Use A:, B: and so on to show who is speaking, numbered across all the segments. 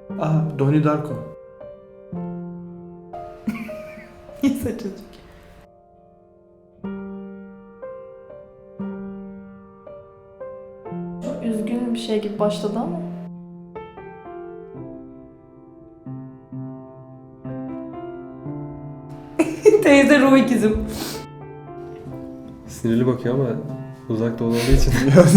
A: Aha, Donnie Darko.
B: Neyse çocuk.
C: Çok üzgün bir şey gibi başladı ama.
B: Teyze ruh ikizim.
D: Sinirli bakıyor ama uzakta olduğu için.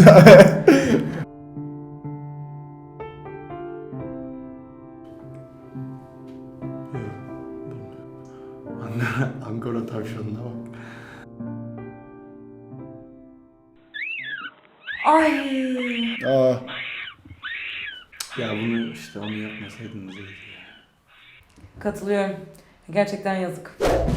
A: Ankara tavşanına bak.
B: Ay.
E: Aa,
A: Ya bunu işte onu yapmasaydınız iyiydi.
B: Katılıyorum. Gerçekten yazık.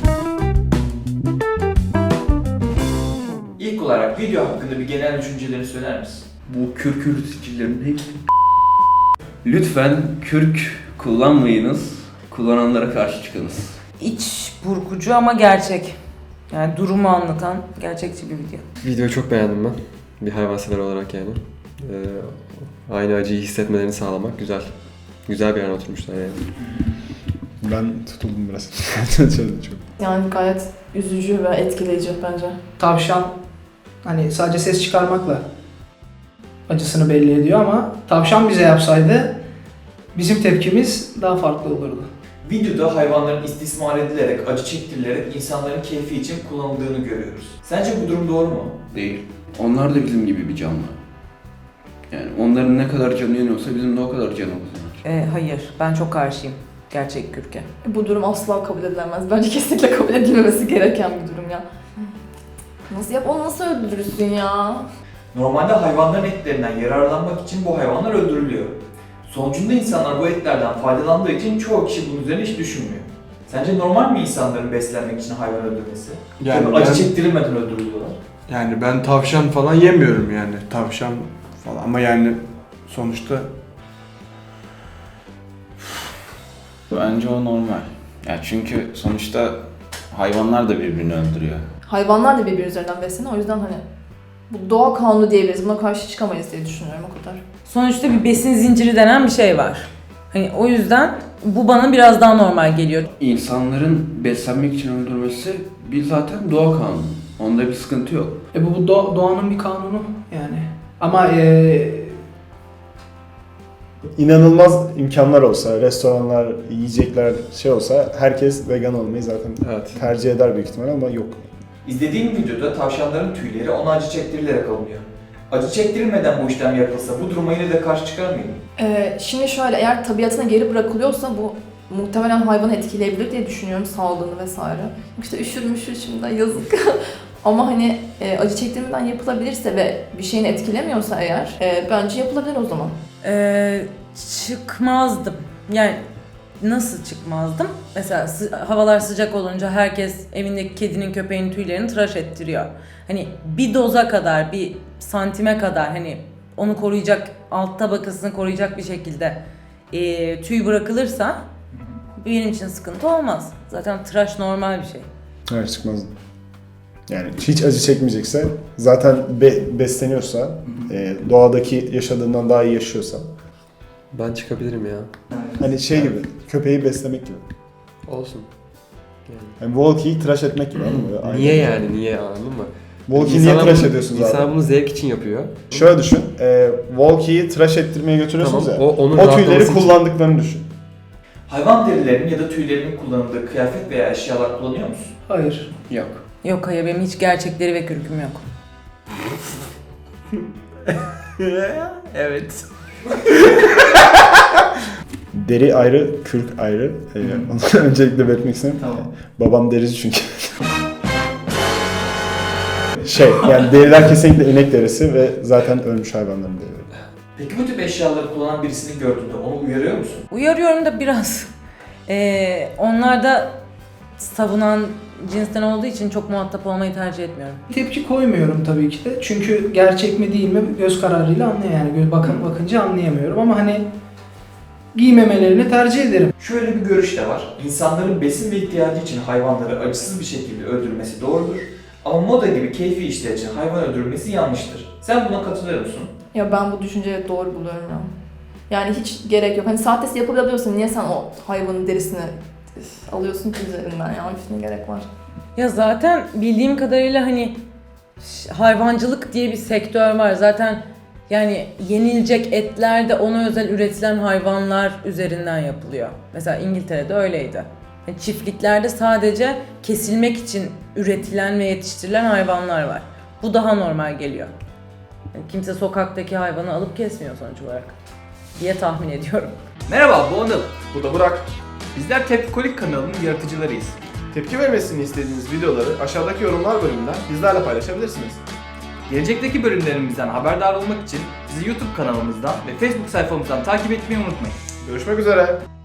F: İlk olarak video hakkında bir genel düşüncelerini söyler misin?
G: Bu kürk üreticilerin hepsi... Lütfen kürk kullanmayınız. Kullananlara karşı çıkınız.
B: İç burkucu ama gerçek. Yani durumu anlatan gerçekçi bir video.
D: Videoyu çok beğendim ben. Bir hayvansever olarak yani. Aynı acıyı hissetmelerini sağlamak güzel. Güzel bir yana oturmuşlar yani.
E: ben tutuldum biraz. Çok.
C: Yani gayet üzücü ve etkileyici bence.
H: Tavşan hani sadece ses çıkarmakla acısını belli ediyor ama tavşan bize yapsaydı bizim tepkimiz daha farklı olurdu.
F: Videoda hayvanların istismar edilerek, acı çektirilerek insanların keyfi için kullanıldığını görüyoruz. Sence bu durum doğru mu?
G: Değil. Onlar da bizim gibi bir canlı. Yani onların ne kadar canı yanıyorsa bizim de o kadar canımız yanar.
B: Hayır, ben çok karşıyım gerçek kürke.
C: Bu durum asla kabul edilemez. Bence kesinlikle kabul edilmemesi gereken bir durum ya. Onu nasıl öldürürsün ya?
F: Normalde hayvanların etlerinden yararlanmak için bu hayvanlar öldürülüyor. Sonucunda insanlar bu etlerden faydalandığı için çoğu kişi bunun üzerine hiç düşünmüyor. Sence normal mi insanların beslenmek için hayvan öldürmesi?
A: Yani
F: acı
A: ben-
F: çektirilmeden öldürülüyorlar.
A: Yani ben tavşan falan yemiyorum yani. Tavşan falan ama yani sonuçta
I: Bence o normal. Ya çünkü sonuçta hayvanlar da birbirini öldürüyor.
C: Hayvanlar da birbiri üzerinden besleniyor. O yüzden hani bu doğa kanunu diyebiliriz. Buna karşı çıkamayız diye düşünüyorum o kadar.
B: Sonuçta bir besin zinciri denen bir şey var. Hani o yüzden bu bana biraz daha normal geliyor.
G: İnsanların beslenmek için öldürmesi bir zaten doğa kanunu. Onda bir sıkıntı yok.
H: Bu doğanın bir kanunu yani. Ama
E: İnanılmaz imkanlar olsa, restoranlar, yiyecekler şey olsa herkes vegan olmayı zaten
D: Evet.
E: tercih eder büyük ihtimal ama yok.
F: İzlediğim videoda tavşanların tüyleri ona acı çektirilerek alınıyor. Acı çektirilmeden bu işlem yapılsa bu duruma yine de karşı çıkar mıydın?
C: Şimdi şöyle, eğer tabiatına geri bırakılıyorsa bu muhtemelen hayvanı etkileyebilir diye düşünüyorum, sağlığını vesaire. İşte üşür şimdi yazık. Ama hani acı çektirmeden yapılabilirse ve bir şeyini etkilemiyorsa eğer bence yapılabilir o zaman.
B: Çıkmazdım. Yani nasıl çıkmazdım? Mesela havalar sıcak olunca herkes evindeki kedinin köpeğinin tüylerini tıraş ettiriyor. Hani bir doza kadar, bir santime kadar hani onu koruyacak, alt tabakasını koruyacak bir şekilde tüy bırakılırsa benim için sıkıntı olmaz. Zaten tıraş normal bir şey.
E: Hayır çıkmaz. Yani hiç acı çekmeyecekse, zaten besleniyorsa, doğadaki yaşadığından daha iyi yaşıyorsa.
D: Ben çıkabilirim ya.
E: Hani şey gibi, köpeği beslemek gibi.
D: Olsun.
E: Yani Walkie'yi tıraş etmek gibi anladın mı? Böyle
D: Niye
E: aynı.
D: yani? Niye anladın mı?
E: Walkie'yi niye tıraş ediyorsunuz abi?
D: İnsan bunu zevk için yapıyor.
E: Şöyle düşün, Walkie'yi tıraş ettirmeye götürüyorsunuz
D: Tamam,
E: ya.
D: onun
E: O
D: rahatlaması
E: tüyleri
D: için.
E: kullandıklarını düşün.
F: Hayvan derilerinin ya da tüylerinin kullanıldığı kıyafet veya eşyalar kullanıyor musun?
H: hayır.
G: Yok.
B: Yok hayır, benim hiç gerçekleri ve kürküm yok.
A: evet.
E: Deri ayrı, kürk ayrı. Onu öncelikle belirtmek istedim.
F: Tamam.
E: Babam derici çünkü. Yani deriler kesinlikle inek derisi ve zaten ölmüş hayvanların derileri.
F: Peki bu tip eşyaları kullanan birisini gördüğünde onu uyarıyor musun?
B: Uyarıyorum da biraz. Onlar da savunan cinsten olduğu için çok muhatap olmayı tercih etmiyorum.
H: Tepki koymuyorum tabii ki de. Çünkü gerçek mi değil mi göz kararıyla yani bakınca anlayamıyorum ama hani giymemelerini tercih ederim.
F: Şöyle bir görüş de var. İnsanların besin ve ihtiyacı için hayvanları acısız bir şekilde öldürmesi doğrudur. Ama moda gibi keyfi işler için hayvan öldürülmesi yanlıştır. Sen buna katılıyor musun?
C: Ya ben bu düşünceyi doğru buluyorum ya. Yani hiç gerek yok. Hani saattesi yapabiliyorsan niye sen o hayvanın derisini alıyorsun ki üzerinden ya? Ne gerek var?
B: Ya zaten bildiğim kadarıyla hani hayvancılık diye bir sektör var. Zaten yani yenilecek etler de ona özel üretilen hayvanlar üzerinden yapılıyor. Mesela İngiltere'de öyleydi. Yani çiftliklerde sadece kesilmek için üretilen ve yetiştirilen hayvanlar var. Bu daha normal geliyor. Yani kimse sokaktaki hayvanı alıp kesmiyor sonuç olarak diye tahmin ediyorum.
F: Merhaba, bu Anıl.
E: Bu da Burak.
F: Bizler Tepkikolik kanalının yaratıcılarıyız.
E: Tepki vermesini istediğiniz videoları aşağıdaki yorumlar bölümünden bizlerle paylaşabilirsiniz.
F: Gelecekteki bölümlerimizden haberdar olmak için bizi YouTube kanalımızdan ve Facebook sayfamızdan takip etmeyi unutmayın.
E: Görüşmek üzere.